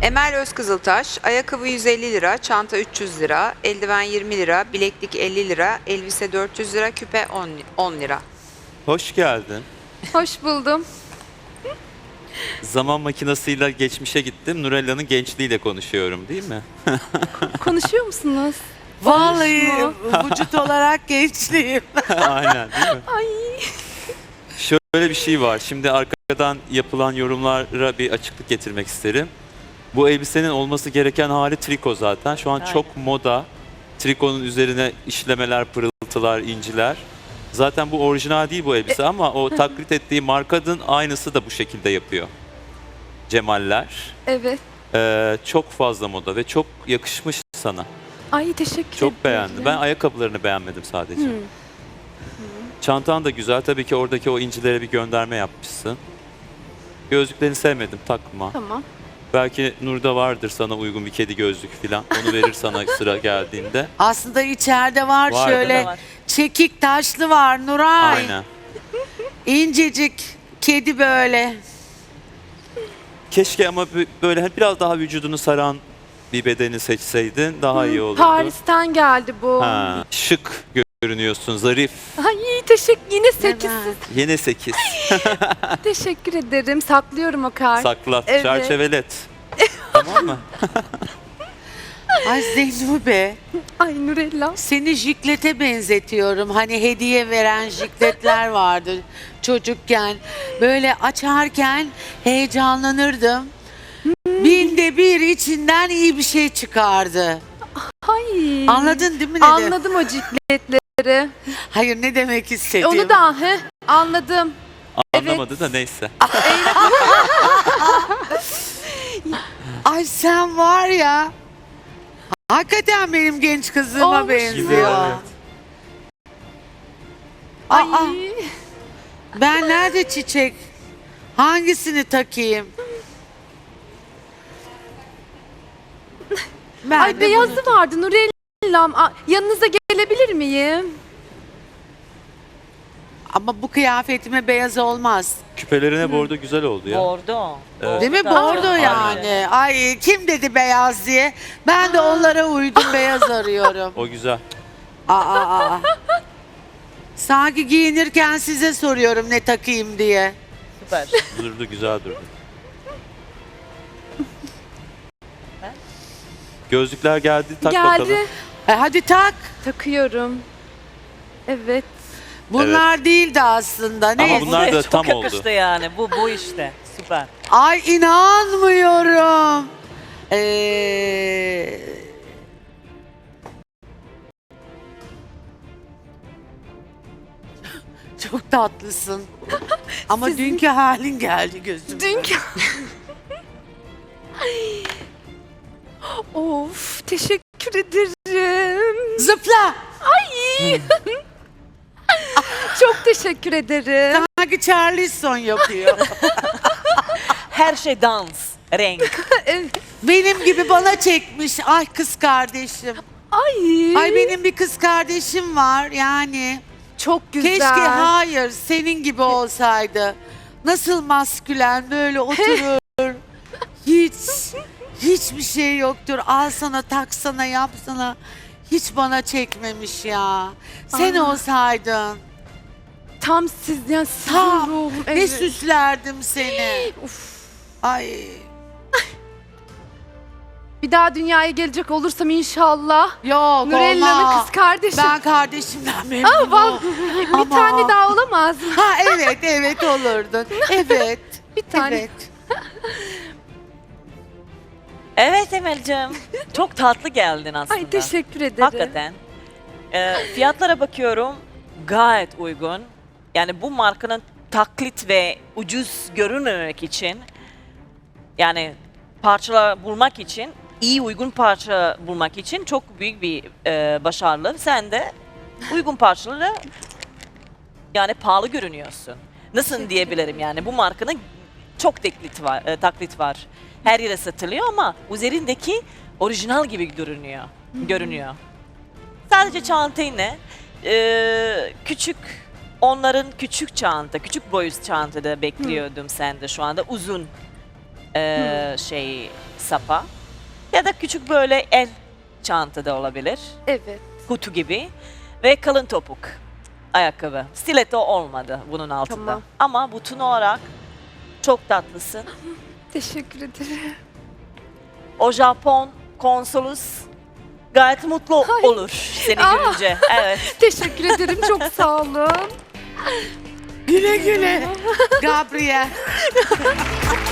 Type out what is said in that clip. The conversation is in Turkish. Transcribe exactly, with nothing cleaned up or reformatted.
Emel Özkızıltaş, ayakkabı yüz elli lira, çanta üç yüz lira, eldiven yirmi lira, bileklik elli lira, elbise dört yüz lira, küpe on lira. Hoş geldin. Hoş buldum. Zaman makinesiyle geçmişe gittim. Nurella'nın gençliğiyle konuşuyorum değil mi? Konuşuyor musunuz? Vallahi Olmuş vücut olarak gençliğim. Aynen değil mi? Ay. Şöyle bir şey var. Şimdi arkadan yapılan yorumlara bir açıklık getirmek isterim. Bu elbisenin olması gereken hali triko zaten. Şu an Aynen. çok moda. Trikonun üzerine işlemeler, pırıltılar, inciler. Zaten bu orijinal değil bu elbise ama o taklit ettiği markanın aynısı da bu şekilde yapıyor. Cemaller. Evet. Ee, çok fazla moda ve çok yakışmış sana. Ay teşekkür ederim. Çok beğendim. Ben ayakkabılarını beğenmedim sadece. Hmm. Çantan da güzel. Tabii ki oradaki o incilere bir gönderme yapmışsın. Gözlüklerini sevmedim. Takma. Tamam. Belki Nur'da vardır sana uygun bir kedi gözlük falan. Onu verir sana sıra geldiğinde. Aslında içeride var, Var, şöyle değil mi? Var. çekik taşlı var Nuray. Aynen. İncecik kedi böyle. Keşke ama bö- böyle biraz daha vücudunu saran bir bedeni seçseydin daha iyi olurdu. Paris'ten geldi bu. Ha, şık görünüyorsun, zarif. Ay teşekkür yine sekiz. Evet. Yine sekiz. Teşekkür ederim. Saklıyorum o kart. Sakla, Evet. çerçevelet. Tamam mı? Ay Zeynube, Ay Nurella. seni jiklete benzetiyorum. Hani hediye veren jikletler vardı çocukken. Böyle açarken heyecanlanırdım. Binde bir içinden iyi bir şey çıkardı. Ay. Anladın değil mi ne de- Anladım o cikletleri. Hayır ne demek istediğimi. Onu da he, anladım. Anlamadı da neyse. Ay sen var ya. Hakikaten benim genç kızıma Olmuş benziyor. Evet. Ay. Aa, ben nerede çiçek? Hangisini takayım? Ben Ay de beyazı bunu- vardı Nurellam. Aa, yanınıza gelebilir miyim? Ama bu kıyafetime beyaz olmaz. Küpelerine bordo güzel oldu ya. Bordo. Evet. Değil mi? Bordo. Bordo Aynen. yani. Ay kim dedi beyaz diye? Ben de onlara uydum beyaz arıyorum. O güzel. Aa, aa, aa. Sanki giyinirken size soruyorum ne takayım diye. Süper. Durdu, güzel durdu. Gözlükler geldi, tak Geldi. bakalım. E, hadi tak. Takıyorum. Evet. Bunlar değildi aslında. Ama Ne? bunlar Bu da çok tam oldu. yakıştı yani. Bu bu işte. Süper. Ay inanmıyorum. Ee... Çok tatlısın. Ama Sizin- dünkü halin geldi gözüme. Dünkü... Ay. Of teşekkür ederim. Zıpla. Ay. Çok teşekkür ederim. Sanki Charleston yapıyor. Her şey dans, renk. Evet. Benim gibi bana çekmiş. Ay kız kardeşim. Ay. Ay benim bir kız kardeşim var yani. Çok güzel. Keşke hayır senin gibi olsaydı. Nasıl maskülen böyle oturur. Hiç hiçbir şey yoktur. Al sana taksana yapsana. Hiç bana çekmemiş ya. Sen Aa. olsaydın. Tam siz yani sizin Tam ruhum. ne Evet. süslerdim seni. Uf. Ay. Bir daha dünyaya gelecek olursam inşallah. Yok Nurella'nın olmaz. kız kardeşi. Ben kardeşimden Aa, memnunum. vallahi bir Ama- tane daha olamaz mı? Ha evet evet olurdun. Evet. Bir tane. Evet. Evet Emel'cim. Çok tatlı geldin aslında. Ay teşekkür ederim. Hakikaten. Ee, fiyatlara bakıyorum. Gayet uygun. Yani bu markanın taklit ve ucuz görünmemek için, yani parçalar bulmak için, iyi uygun parça bulmak için çok büyük bir e, başarılı. Sen de uygun parçaları yani pahalı görünüyorsun. Nasıl diyebilirim yani bu markanın çok taklit var, e, taklit var. Her yere satılıyor ama üzerindeki orijinal gibi görünüyor. Görünüyor. Sadece çantayı e, küçük, onların küçük çanta, küçük boyut çantada bekliyordum sende şu anda uzun e, şey sapa ya da küçük böyle el çanta da olabilir. Evet. Kutu gibi ve kalın topuk ayakkabı. Stiletto olmadı bunun altında. Tamam. Ama bütün olarak çok tatlısın. Teşekkür ederim. O Japon konsolos gayet mutlu Ay. olur seni Aa. görünce. Evet. Teşekkür ederim. Çok sağ olun. Güle güle. Gabriel.